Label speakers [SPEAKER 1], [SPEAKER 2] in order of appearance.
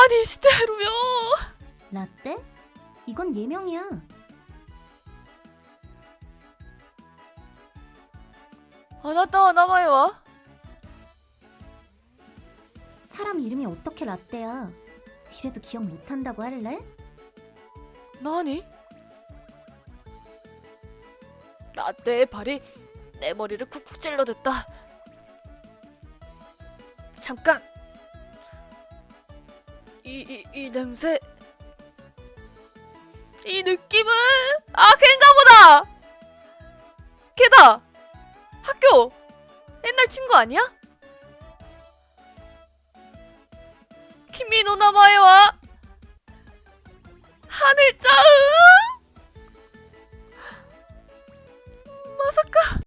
[SPEAKER 1] にしてるよ。
[SPEAKER 2] 라떼? 이건 예명이야.
[SPEAKER 1] あなたは名前は？
[SPEAKER 2] 사람 이름이 어떻게 라떼야. 이래도 기억 못한다고 할래?
[SPEAKER 1] 何？ 라떼의 발이 내 머리를 쿡쿡 찔러댔다. 잠깐! 이 냄새... 이 느낌은... 아, 걔인가 보다! 걔다! 학교! 옛날 친구 아니야? 君の名前は 하늘자우! まさか